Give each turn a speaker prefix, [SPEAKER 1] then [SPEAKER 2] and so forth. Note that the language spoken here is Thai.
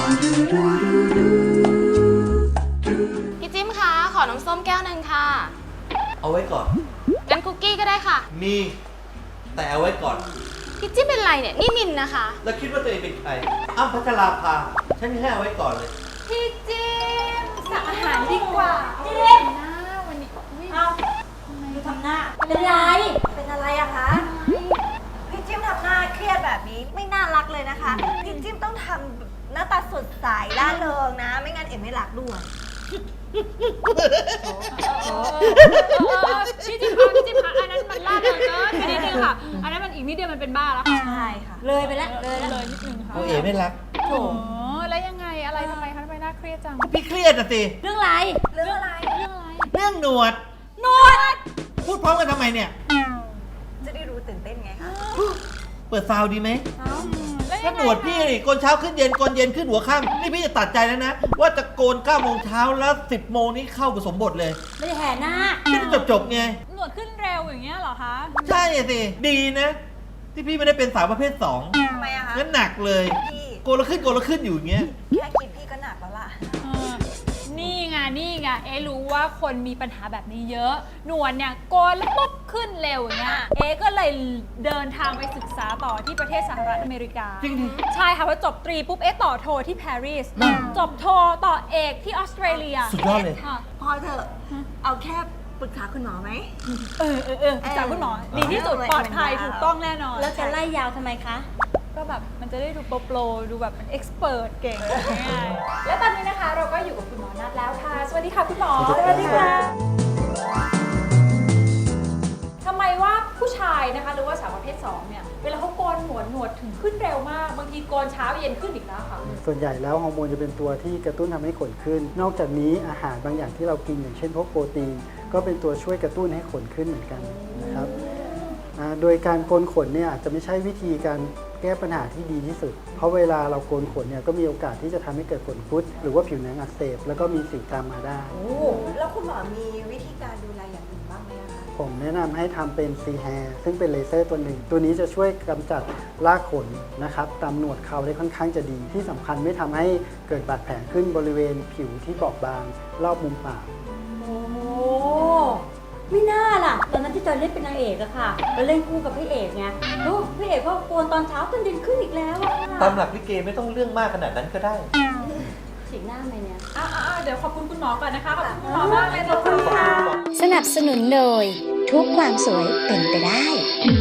[SPEAKER 1] พี่จิ้มคะขอน้ำส้มแก้วหนึ่งค่ะ
[SPEAKER 2] เอาไว้ก่อน
[SPEAKER 1] งั้นคุกกี้ก็ได้ค่ะ
[SPEAKER 2] มีแต่เอาไว้ก่อน
[SPEAKER 1] พี่จิ้มเป็นไรเนี่ยนี่มินนะคะ
[SPEAKER 2] แล้วคิดว่าตัวเองเป็นใครอ้ำพัชราภาฉันให้เอาไว้ก่อนเลย
[SPEAKER 1] พี่จิ้มสั่งอาหารดีกว่าจิ้มนะวันนี้เอา
[SPEAKER 3] ดูทำหน้าเป็นไรเป็นอะไรอะคะพี่จิ้มทำหน้าเครียดแบบนี้ไม่น่ารักเลยนะคะพี่จิ้มต้องทำหน้าตาสดใสร่าเริงนะไม่งั้นเอ็มไม่รักด้วย
[SPEAKER 1] พี่จิ้มคะอันนั้นมันล่าเริงเกินไปนิดนึงค่ะอันนั้นมันอีกนิดเดียวมันเป็นบ้าแล้วค่ะ
[SPEAKER 3] ใช่ค่ะเลยไปแล้ว
[SPEAKER 1] เลยนิดนึงค่ะ
[SPEAKER 2] โอเอ๋ไม่รัก
[SPEAKER 1] โอ้แล้วยังไงอะไรทำไมน่าเครียดจัง
[SPEAKER 2] พี่เครียดอะสิ
[SPEAKER 3] เรื่องอะไรเรื่อง
[SPEAKER 2] หนวดพูดพร้อมกันทำไมเนี่ย
[SPEAKER 3] จะได้รู้ตื่นเต้นไงคะ
[SPEAKER 2] เปิดซาวดีไหมถ้าหนวดพี่นี่โกนเช้าขึ้นเย็นโกนเย็นขึ้นหัวค่ำนี่พี่จะตัดใจแล้วนะว่าจะโกน9 โมงเช้าแล้ว10 โมงนี้เข้ากับสมบทเลย
[SPEAKER 3] ไม่ได้แห่หน้า
[SPEAKER 2] จะจบไง
[SPEAKER 1] หนวดขึ้นเร็วอย่างเงี้ยเหรอคะ
[SPEAKER 2] ใช่สิดีนะที่พี่ไม่ได้เป็นสาวประเภท2
[SPEAKER 3] ทำไมอะคะ
[SPEAKER 2] งั้นหนักเลยโกนแล้วขึ้นอยู่อย่างเงี้ย
[SPEAKER 3] แค่คิดพี่ก็หนักแล้วล่ะ
[SPEAKER 1] นี่ไงรู้ว่าคนมีปัญหาแบบนี้เยอะหนวดเนี่ยโกนแล้วปุ๊บขึ้นเร็วอย่างเงี้ยก็เลยเดินทางไปศึกษาต่อที่ประเทศสหรัฐอเมริกา
[SPEAKER 2] จริงดิ
[SPEAKER 1] ใช่ค่ะพอจบตรีปุ๊บต่อโทที่ปารีสจบโทต่อเอกที่ออสเตรเลีย
[SPEAKER 2] สุดยอดเลย
[SPEAKER 3] พอเถอะเอาแค่ปรึกษาคุณหมอไหม
[SPEAKER 1] ปรึกษาคุณหมอดีที่สุดปลอดภัยถูกต้องแน่นอน
[SPEAKER 3] แล้วจะไล่ยาวทำไมคะ
[SPEAKER 1] ก็แบบมันจะได้ดูโปรดูแบบเป็นเอ็กซ์เพรสเก่งง่ายๆและตอนนี้นะคะเราก็อยู่กับคุณหมอนัทแล้วค่ะสวัสดีค่ะคุณหมอ
[SPEAKER 2] สวัสดีค่ะ
[SPEAKER 1] ทำไมว่าผู้ชายนะคะหรือว่าสาวประเภท2เนี่ยเวลาเขาโกนหนวดถึงขึ้นเร็วมากบางทีโกนเช้าเย็นขึ้นอีกแล้วค่ะ
[SPEAKER 4] ส่วนใหญ่แล้วฮอร์โมนจะเป็นตัวที่กระตุ้นทำให้ขนขึ้นนอกจากนี้อาหารบางอย่างที่เรากินอย่างเช่นพวกโปรตีนก็เป็นตัวช่วยกระตุ้นให้ขนขึ้นเหมือนกันนะครับโดยการโกนขนเนี่ยอาจจะไม่ใช่วิธีการแก้ปัญหาที่ดีที่สุดเพราะเวลาเราโกนขนเนี่ยก็มีโอกาสที่จะทำให้เกิดขนคุดหรือว่าผิวหนังอักเสบแล้วก็มีสิวตามมาได้
[SPEAKER 3] แล้วคุณหมอมีวิธีการดูแลอย่างอื่นบ้างไหมคะ
[SPEAKER 4] ผมแนะนำให้ทำเป็นซีแฮร์ซึ่งเป็นเลเซอร์ตัวหนึ่งตัวนี้จะช่วยกำจัดรากขนนะครับตามหนวดเขาได้ค่อนข้างจะดีที่สำคัญไม่ทำให้เกิดบาดแผลขึ้นบริเวณผิวที่บอบบางรอบมุมปาก
[SPEAKER 3] ไม่น่าล่ะตอนนั้นที่จอยเล่นเป็นนางเอกอะค่ะเราเล่นคู่กับพระเอกไงลูกพระเอกก็โกนตอนเช้าจนดินขึ้นอีกแล้วอะ
[SPEAKER 2] ตามหลักลิเกไม่ต้องเรื่องมากขนาดนั้นก็ได้
[SPEAKER 3] ฉีกหน้าไหมเนี่ย
[SPEAKER 1] เดี๋ยวขอบคุณคุณหมอก่อนนะคะขอบคุณคุณหมอมากเลย
[SPEAKER 3] ขอบคุณค่ะ
[SPEAKER 5] สนับสนุนโดยทุกความสวยเป็นไปได้